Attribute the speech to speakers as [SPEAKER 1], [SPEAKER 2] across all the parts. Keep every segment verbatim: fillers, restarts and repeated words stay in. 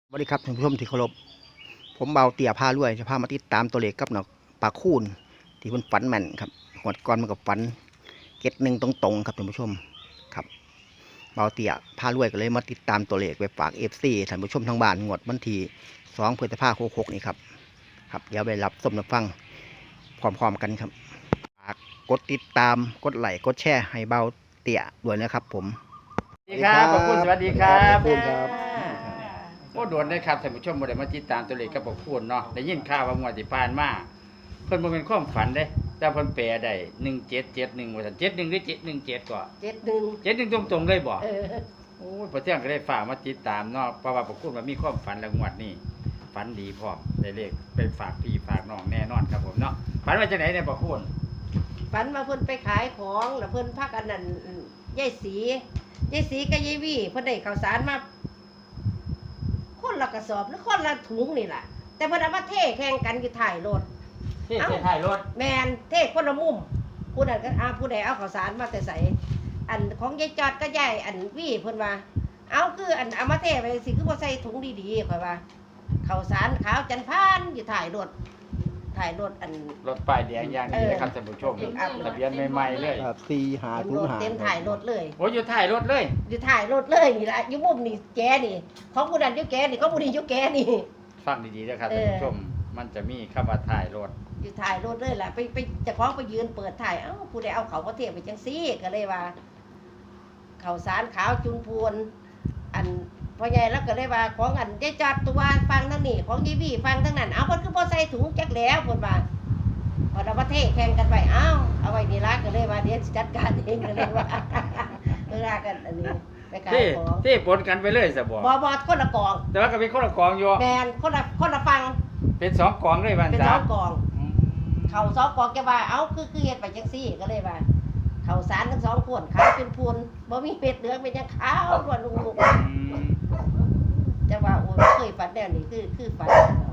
[SPEAKER 1] สวัสดีครับท่านผู้ชมที่เคารพผมเบาเตี่ยพารวยจะพามาติดตามตัวเลขกับหนอกปลาคูนที่คุณฝันแม่นครับหวดก่อนมันกับฝันเก็ดหนึ่งตรงๆครับท่านผู้ชมครับเบาเตี่ยพารวยก็เลยมาติดตามตัวเลขไปฝากเอฟซีท่านผู้ชมทางบ้านงวดวันที่สองพฤษภาคมหกนี่ครับครับเดี๋ยวไปรับสมรับฟังพร้อมๆกันครับฝากกดติดตามกดไลค์กดแชร์ให้เบาเตี่ยด้วยนะครับผม
[SPEAKER 2] สวัสดีครับขอบคุณสวัสดีครับ
[SPEAKER 1] ขอบคุณครับ
[SPEAKER 2] โอ้โดนได้ครับท่านผู้ชมบ่ได้มาติดตามตัวเลขกับขอบคุณเนาะได้ยินข่าวว่างวดที่ผ่านมาเพิ่นบ่เป็นความฝันเด้แต่เพิ่นแปลได้หนึ่งเจ็ดเจ็ดหนึ่งว่าซั่นเจ็ดหนึ่งหรือเจ็ดหนึ่งเจ็ดก็
[SPEAKER 3] เจ็ดหนึ่ง
[SPEAKER 2] เจ็ดหนึ่งตรงๆเลยบ่
[SPEAKER 3] เออ
[SPEAKER 2] โอ้ยพอเที่ยงก็ได้ฝากมาติดตามเนาะเพราะว่าขอบคุณว่ามีความฝันแล้วงวดนี้ฝันดีพร้อมได้เลขไปฝากพี่ฝากน้องแน่นอนครับผมเนาะฝันว่าจังได๋เนี่ยขอบคุณ
[SPEAKER 3] ฝันมาเพิ่นไปขายของแล้วเพิ่นพักอันนั้นยายสียายสีกับยายวี่เพิ่นได้ข้าวสารมาคนละกระสอบหรือคนละถุงนี่ล่ะแต่เพิ่นเอามาเทแข่งกันอยู่ถ่ายรถ
[SPEAKER 2] ที่เส้นท้ายรถ
[SPEAKER 3] แมนเทคนละมุมผู้นั้นก็อาผู้ใดเอาข้าวสารมาแต่ใส่อันของยายจอดก็ยายอันวี่เพิ่นว่าเอาคืออันเอามาเทไปสิคือบ่ใส่ถุงดีๆข่อยว่าข้าวสารขาวจันพานอยู่ถ่ายรถถ่ายรถอัน
[SPEAKER 2] รถป้ายแดงอย่างนี้นะครับท่านผู้ชมทะเบียนใหม่ๆเลย
[SPEAKER 1] สี่หา
[SPEAKER 3] เต็ม
[SPEAKER 1] ศู
[SPEAKER 3] ร
[SPEAKER 1] น
[SPEAKER 3] ถ
[SPEAKER 1] ย์หา
[SPEAKER 3] เต็มถ่ายรถเลย
[SPEAKER 2] โอ้ยอยู่ท้ายรถเลย
[SPEAKER 3] อยู่ถ่ายรถเลยนี่ละอยู่มุมนี่แกนี่ของผู้นั้นอยู่แกนี่ของผู้นี้อยู่แกนี่
[SPEAKER 2] ฟังดีๆนะครับ
[SPEAKER 3] เอ
[SPEAKER 2] ท่าน
[SPEAKER 3] อ
[SPEAKER 2] ผู้ชม มันจะมีคำว่าถ่ายรถ
[SPEAKER 3] อยู่ถ่ายรถเลยล่ะไปไปเจะคล้าของไปยืนเปิดถ่ายเอ้าผู้ใดเอาเขาก็เทียบไปจังซี่ก็เลยว่าเขาวสารขาวจุนพวนอันพ่อใหญ่แล้วก็เลยว่าของอันยายจอดตัวฟังทั้งนี้ของยีวี่ฟังทั้งนั้นเอาเพิ่นคือบ่ใส่ถุงจักแล้วเพิ่นว่าพอเราประเทศแข่งกันไปเอ้าเอาไว้นี่ละก็เลยว่าเดี๋ยวสิจัดการเองก็เลยว่า เวลากันอันนี้ไปขาย
[SPEAKER 2] ที่
[SPEAKER 3] ของ
[SPEAKER 2] ที่ปนกันไปเลยสบ
[SPEAKER 3] บ่บ่คนละกอง
[SPEAKER 2] แต่ว่าก็เป็นคนละกองอยู่
[SPEAKER 3] แมนคนละคนละฟัง
[SPEAKER 2] เป็นสองกองเลยวัน
[SPEAKER 3] เป็น
[SPEAKER 2] จ้า
[SPEAKER 3] สองกอง เขาสองกองแกว่าเอ้าคือคือเฮ็ดไปจังซี่ก็เลยว่าเขาสารทั้งสองขวดขาวเป็นพูนบ่มีเป็ดเหลืองเป็นยังขาวล้วนลุงลุงจะว่าโอ้ยบ่เคยฝันแนวนี้คือคือฝัน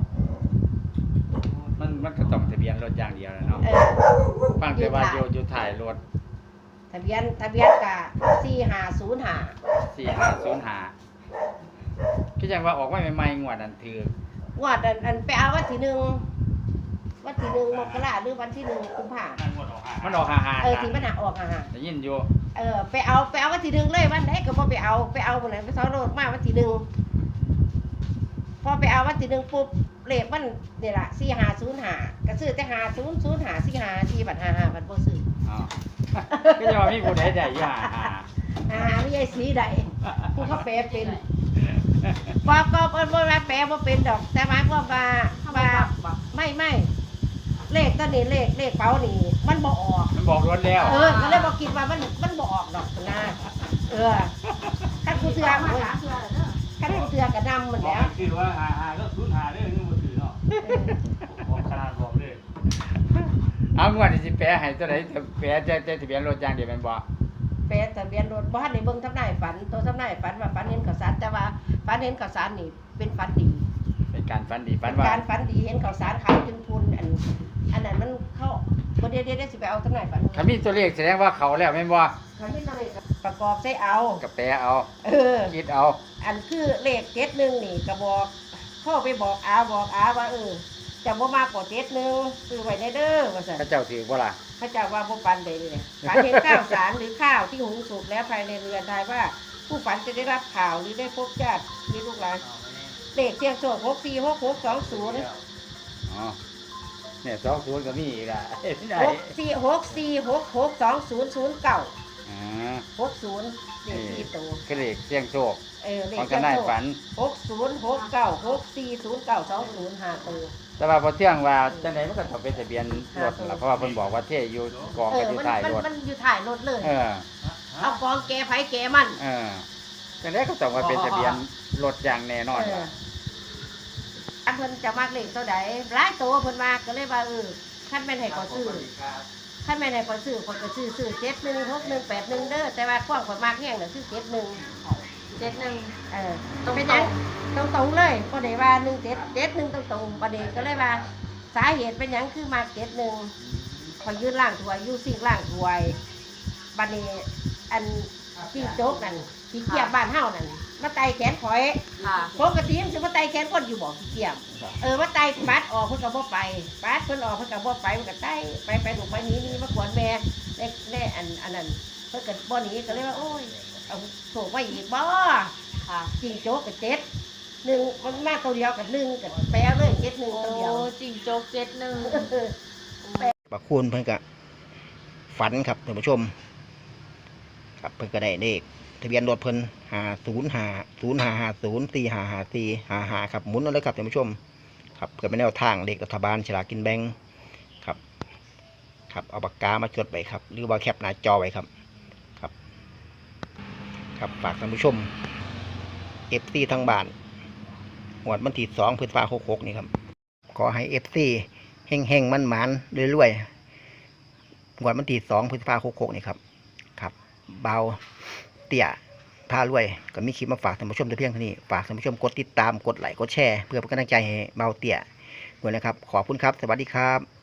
[SPEAKER 2] มันมันก็ต้องทะเบียนรถอย่างเดียวแหละเนาะ
[SPEAKER 3] เออ
[SPEAKER 2] ฟังแต่ว่าอยู่อยู่ถ่ายรถ
[SPEAKER 3] ทะเบียนทะเบียนกะสี่ห้าศูนย์ห้า
[SPEAKER 2] สี่ห้าศูนย์ห้าพี่จังว่าออกมาใหม่ๆงวดนั้นถือง
[SPEAKER 3] วดอันอันไปเอาวันที่หนึ่งวันที่หนึ่งมกราหรือวันที่หนึ่งกุมภา
[SPEAKER 2] มันออกห่า
[SPEAKER 3] เออ
[SPEAKER 2] ๆ
[SPEAKER 3] ที่มันหาออกอ่ะฮะ
[SPEAKER 2] ได้ยินอยู่
[SPEAKER 3] เออไปเอาไปเอาวันที่หนึ่งเลยวันไหนก็บ่ไปเอาไปเอาวันไหนไปเสาโรดมาวันที่หนึ่งพอไปเอาวันที่หนึ่งปุ๊บเลขมันนี่แหละสี่ห้าศูนย์ห้าก็ซื้อแต่ห้าศูนย์ศูนย์ห้าสี่ห้าที่บัตรห้าห้าบัตรบ่ซื้อ
[SPEAKER 2] อ๋อก็จะว่ามีผู้ใดได้อยู่ห่า
[SPEAKER 3] ห้าห้าไม่ใช่สีใดผู้เขาแปลเป็นบอกก็บ่บ่ว่าแปลบ่เป็นดอก แต่หมายความว่าว่าไม่ไม่เลขตัวนี้เลขเลขเป๋านี่มันบ่ออก
[SPEAKER 2] ๆมันบอกรถแล้ว
[SPEAKER 3] เออก็เลยบอกคิดว่ามันมันบออกดอกนะเออขั้นกูเสือขั้นกูเสือกระนำหมดแล้ว
[SPEAKER 4] คือว่าหาหาก็ศูนย์หาได้เงินมือถือเนาะบอกขนาดบอกเลย
[SPEAKER 2] เอางวดที่สิแปลให้ตัวไหนแปลแต่แต่ทะเบียนรถอย่างเดียวแม่นบ่
[SPEAKER 3] แปลทะเบียนรถบ้านในเบิ่งทำนายฝันตัวทำนายฝันว่าฝันเห็นข้าวสารแต่ว่าฝันเห็นข้าวสารนี่เป็นฝันดี
[SPEAKER 2] เป็นการฝันดีฝั
[SPEAKER 3] เป็น น
[SPEAKER 2] ว่า
[SPEAKER 3] การฝันดีเห็นข้าวสารขาวจนพูนอันอันนั้นมันเข้าประเดี๋ยวเดี๋ยวสิไปเอาทำนายฝัน
[SPEAKER 2] ถ้ามีตัวเลขแสดงว่าเขาแล้วแม่นบ่
[SPEAKER 3] เขาไม่ต้องเลยประกอบใช้เอา
[SPEAKER 2] ก็แปลเอา
[SPEAKER 3] เออ
[SPEAKER 2] คิดเอา
[SPEAKER 3] อันคือเลขเจ็ดหนึ่งนี่ก็บอกเข้าไปบอกอาบอกอาว่าเออจะบ่มากกว่าเจ็ดหนึ่งซื้อไว้ในเด้อว่าซั่น
[SPEAKER 2] พระเจ้าถือบ่ล่ะ
[SPEAKER 3] พระเจ้าว่าบ่ปันใดเลยฝันเห็นข้าวสารหรือข้าวที่หุงสุกแล้วภายในเรือนทายว่า ผู้ฝันจะได้รับข่าวหรือได้พบญาติมีลูกหลานเลขเสียงโชคหกสี่หกหกสองศูนย์
[SPEAKER 2] อ๋อเนี่ยสองศูนย์ก็มีอีกอ่ะเห็นได้
[SPEAKER 3] หกสี่หกสี่หกหกสองศูนย์ศูนย์เก้า
[SPEAKER 2] อ่า
[SPEAKER 3] หกศูนย์เลขสี่ตัว
[SPEAKER 2] คือเลขเสี่ยงโชค
[SPEAKER 3] เออเล
[SPEAKER 2] ข
[SPEAKER 3] ข
[SPEAKER 2] อง
[SPEAKER 3] เสี
[SPEAKER 2] ท
[SPEAKER 3] ยง
[SPEAKER 2] นาย
[SPEAKER 3] โชค
[SPEAKER 2] ฝัน
[SPEAKER 3] หกศูนย์หกเก้าหกสี่ศูนย์เก้าสองศูนย์ห้าตัว
[SPEAKER 2] แต่ว่าพอเที่ยงว่าจังไดมันก็ต้องเป็นทะเบียนรถล่ะเพราะว่าเพิ่นบอกว่าเทอยู่กอง
[SPEAKER 3] เอ
[SPEAKER 2] กัน
[SPEAKER 3] อ
[SPEAKER 2] ที่
[SPEAKER 3] มัน
[SPEAKER 2] ท้าย
[SPEAKER 3] มัน
[SPEAKER 2] รถ
[SPEAKER 3] มันอยู่ถ่ายรถเลย
[SPEAKER 2] เออ
[SPEAKER 3] เอากองแกไผแกมัน
[SPEAKER 2] เออจังไดก็ต้องว่าเป็นทะเบียนรถอย่างแน่นอน
[SPEAKER 3] เออ
[SPEAKER 2] ล่ะ
[SPEAKER 3] อันเพิ่นจะมากเลขตัวใดหลายตัวเพิ่นมากก็เลยว่าเออคันแม่นให้ขอซื้อคันแม่นให้ขอซื้อคนก็ซื้อซื้อเจ็ดหนึ่งหกหนึ่งแปดหนึ่งเด้อแต่ว่าความข่อยมากแห้งน่ะคือเจ็ดหนึ่งเจ็ดหนึ่งเออเป็นหยังตรงตรงๆเลยบ่ได้ว่าหนึ่งเจ็ดเจ็ดหนึ่งตรงตรงๆประเด็นก็เลยว่า สาเหตุเป็นหยังคือมากเจ็ดหนึ่งขอยยืนล่างถวยอยู่สิ่งล่างถวยบัดนี้อันที่โจ๊กนั่นที่เกียบบ้านเฮานั่นมาไต่แขนข่อย
[SPEAKER 5] ค่ะ
[SPEAKER 3] ปกติมันสิมาไต่แขนคนอยู่บ่ขี้เกียจเออมาไต่ปัดออกเพิ่นก็บ่ไปปัดเพิ่นออกเพิ่นก็บ่ไปมันก็ไต่ไปไปลูกไปหนี้นี่มากวนแม่ในในอันอันนั้นเพิ่นก็บ่หนีก็เลยว่าโอ้ยเอาโศกมาอีกบ่
[SPEAKER 5] ค่ะ
[SPEAKER 3] จิงโจ๊กกับเจ็ดหนึ่งมันมาตัวเดียวกับหนึ่งกับแปลเลยเจ็ดหนึ่ง
[SPEAKER 5] โอ้
[SPEAKER 3] ตัวเดียว
[SPEAKER 5] จิงโจ๊กเจ็ดหนึ่ง
[SPEAKER 1] ปะคูณเพิ่นก็ฝันครับท่านผู้ชม ครับเพิ่นก็ได้เลขทะเบียนรถเพิ่นห้าศูนย์ห้าศูนย์ห้าห้าศูนย์สี่ห้าห้าสี่ห้าห้าครับหมุนเอาเลยครับท่านผู้ชม ครับเพื่อเป็นแนวทางเลขรัฐบาลฉลากกินแบ่งครับ ครับเอาปากกามาจดไว้ครับ หรือว่าแคปหน้าจอไว้ครับครับ ครับฝากท่านผู้ชมเอฟซีทั้งบ้านหวดวันที่สองพฤษภาคมหกหกนี่ครับ ขอให้เอฟซีเฮงเฮงมันหมันรวยๆหวดวันที่สองพฤษภาคมหกหกนี่ครับ ครับเบาเตี่ยพารวยก็มีคลิปมาฝากท่านผู้ชมแต่เพียงเท่านี้ฝากท่านผู้ชมกดติดตามกดไลค์กดแชร์เพื่อเป็นกำลังใจให้เบาเตี่ยด้วยนะครับขอบคุณครับสวัสดีครับ